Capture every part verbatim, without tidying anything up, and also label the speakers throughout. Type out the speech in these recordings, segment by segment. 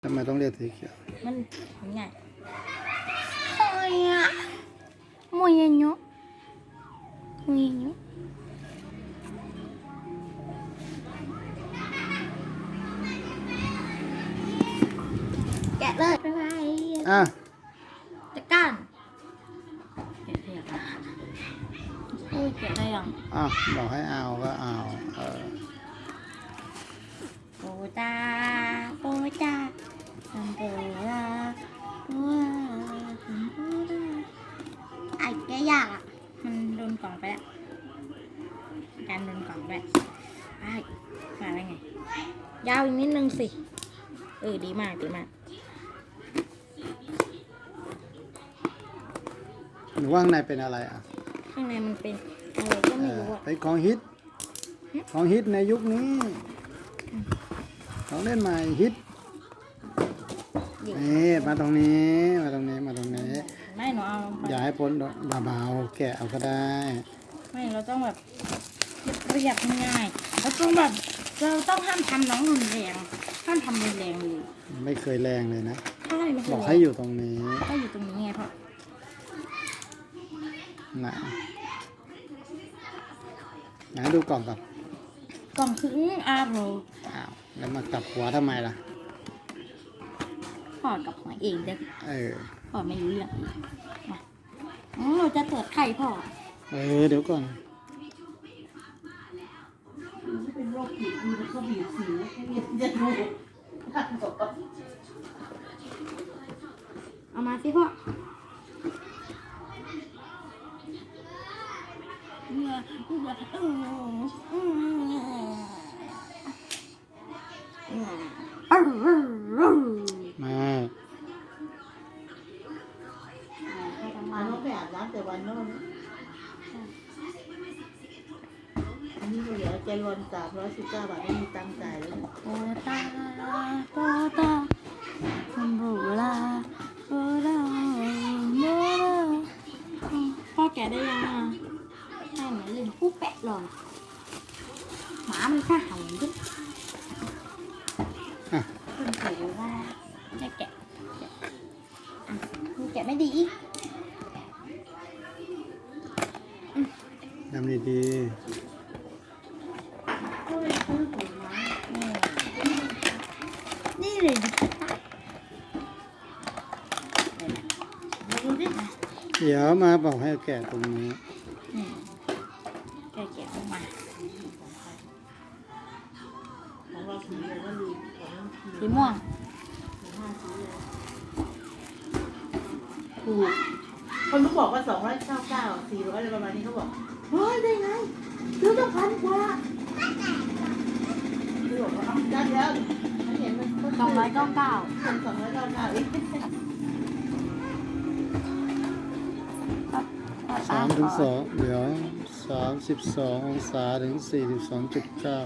Speaker 1: ทำไมต้องเรียกสีเขียว
Speaker 2: มันง่ายโอ้ยอะมวยเนาะมวยเนาะแกะเลยไปไป
Speaker 1: อ่ะ
Speaker 2: จัดการแกะได้ยังโอ้ยแกะได้ยัง
Speaker 1: อ่ะบอกให้เอาก็เอาเออ
Speaker 2: โปตาโปตาทำโปลาตัวทำโปลาไอ้แกยากอ่ะมันโดนกล่องไปแล้วการโดนกล่องด้วยไอ้มาได้ไงยาวอีกนิดนึงสิเออดีมากดีมาก
Speaker 1: หนูว่าข้างในเป็นอะไรอ่ะ
Speaker 2: ข้างในมันเป็นอะไรก็ไม่รู้อ่ะ
Speaker 1: เป็นของฮิตของฮิตในยุคนี้ของเล่นใหม่ฮิตนี่มาตรงนี้มาตรงนี้มาตรงนี้
Speaker 2: ไม่หนูเอา
Speaker 1: อย่าให้พ้นเบาๆแกะเอาก็ได้
Speaker 2: ไม่เราต้องแบบเรียบง่ายเราต้องแบบเราต้องห้ามทำน้องรุนแรงห้ามทำรุนแรงเลย
Speaker 1: ไม่เคยแรงเลยนะ
Speaker 2: ใช่ไม่เคย
Speaker 1: บอกให้อยู่ตรงนี้
Speaker 2: ก็อยู่ตรงนี้ไงพ่อ
Speaker 1: ไหนไหนดูกล่องก่อน
Speaker 2: กล่องคืออาโร
Speaker 1: อ้าวแล้วมากลับหัวทำไมล่ะ
Speaker 2: พ่อกับหัวเองเด็ก
Speaker 1: เออ
Speaker 2: พ่อไม่รู้เรื่องมาเราจะตรวจไข่พ่อ
Speaker 1: เออเดี๋ยวก่อน
Speaker 3: เป็นโรคผิวดูเขาบีบสิวให้เรียนจะดู
Speaker 2: เอามาสิพ่อ
Speaker 1: มา
Speaker 3: อันนู้นไปอาบน้ำแต่วันโน้นอันนี้ก็เหลือใจรวนสามร้อยสิบเก้าบาทไม่มีตังค์จ่ายแล้ว
Speaker 2: โปตาโปตาคัมบูลาโปตาโมลาพ่อแกได้ยังอ่ะให้เหมือนเล่นคู่แปะหรอหมามันข้าหันดิคุณถือว่าจะแกะอ่ะคุณแกะไม่ดี
Speaker 1: ทำดี
Speaker 2: นี่เลยดิ
Speaker 1: เดี๋ยวมาบอกให้แกะตรงนี้
Speaker 2: แกะแกะออกมา
Speaker 3: ของเราสีอะไรก็ลืม
Speaker 2: สีม่วง
Speaker 3: ถูกคนเขาบอกว่าสองร้อยเก้าเก้าสี่ร้อยอะไรประมาณนี้เขาบอกเฮ้ยได้ไงซื้อตั้งพันกว่าคือบอกว่าได้แล้วฉันเห็นมัน
Speaker 2: สองร้อยเก้าเก้า
Speaker 3: สองร้อยเก้าเก้าอีก
Speaker 1: สามถึงสองเดี๋ยวสามสิบสององศาถึงสี่สิบสองจุดเก้า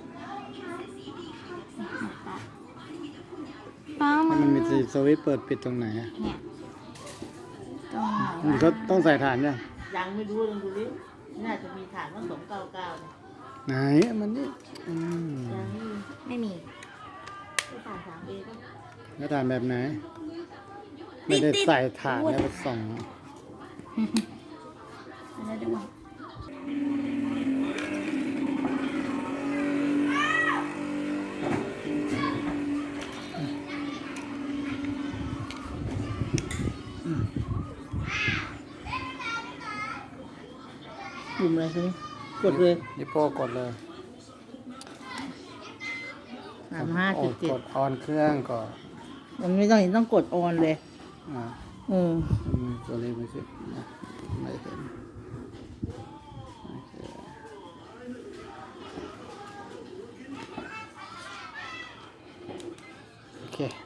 Speaker 1: มันมีสวิตช์เปิดปิดตรงไหนอ่ะ
Speaker 2: เนี่ยตรงไหน
Speaker 1: มันก็ต้องใส่ฐานยัง
Speaker 3: ยังไม่รู้ลองดูดิน่าจะมีฐานตั้งสองเก้าเก้า
Speaker 1: ไหนมันนี่
Speaker 2: ไม่มี
Speaker 3: ฐานสามเอก็
Speaker 1: แล้วฐานแบบไหนไม่ได้ใส่ฐานแล้วไปส่อง
Speaker 2: แล้วดู
Speaker 3: ปุ่มอะไรใช่ไหมกดเลย
Speaker 1: นิโป้กดเลย
Speaker 3: สามห้าจุดเจ็ด
Speaker 1: กดออนเครื่องก่อน
Speaker 3: มันไม่ต้องเห็นต้องกดออนเลย
Speaker 1: อ่า
Speaker 3: เออ
Speaker 1: ตัวเลขไม่ขึ้นไม่เห็นโอเค